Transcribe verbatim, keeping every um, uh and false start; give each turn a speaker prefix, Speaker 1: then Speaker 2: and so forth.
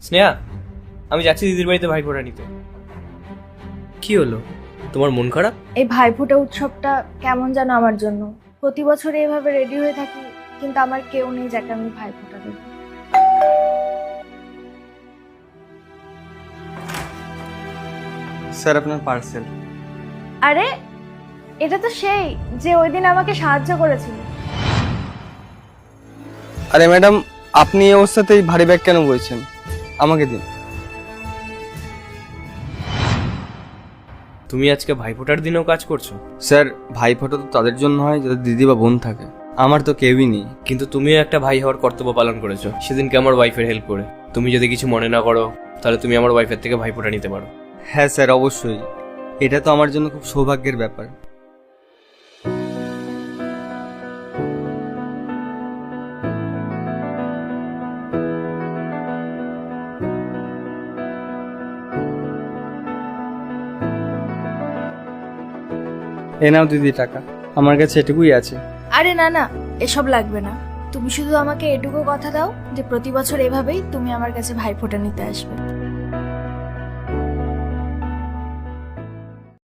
Speaker 1: স্নেহা, আমি যাচ্ছি দিদির বাড়িতে ভাইফোঁটা নিতে। কি হলো, তোমার মন খারাপ?
Speaker 2: এই ভাইফোঁটা উৎসবটা কেমন যেন আমার জন্য। প্রতি বছর এইভাবে রেডি হয়ে থাকি, কিন্তু আমার কেউ নেই যাকে আমি ভাইফোঁটা দেব।
Speaker 3: স্যার আপনার পার্সেল।
Speaker 2: আরে এটা তো সেই যে ওই দিন আমাকে সাহায্য করেছিল।
Speaker 3: আরে ম্যাডাম, আপনি এই অবস্থাতেই ভারী ব্যাগ কেন বলছেন? আমাকে দিন।
Speaker 1: তুমি আজকে ভাইফোঁটার দিনেও কাজ করছো?
Speaker 3: স্যার, ভাইফোঁটা তো তাদের জন্য হয় যাদের দিদি বা বোন থাকে। আমার তো কেউই নেই।
Speaker 1: কিন্তু তুমিও একটা ভাই হওয়ার কর্তব্য পালন করেছো সেদিনকে আমার ওয়াইফের হেল্প করে। তুমি যদি কিছু মনে না করো তাহলে তুমি আমার ওয়াইফের থেকে ভাইফোঁটা নিতে পারো।
Speaker 3: হ্যাঁ স্যার, অবশ্যই। এটা তো আমার জন্য খুব সৌভাগ্যের ব্যাপার। এ নাও দিদি টাকা, আমার কাছে এটুকুই আছে।
Speaker 2: আরে না না, এসব লাগবে না। তুমি শুধু আমাকে এটুকু কথা দাও যে প্রতি বছর এভাবেই তুমি আমার কাছে ভাইফোঁটা নিতে আসবে।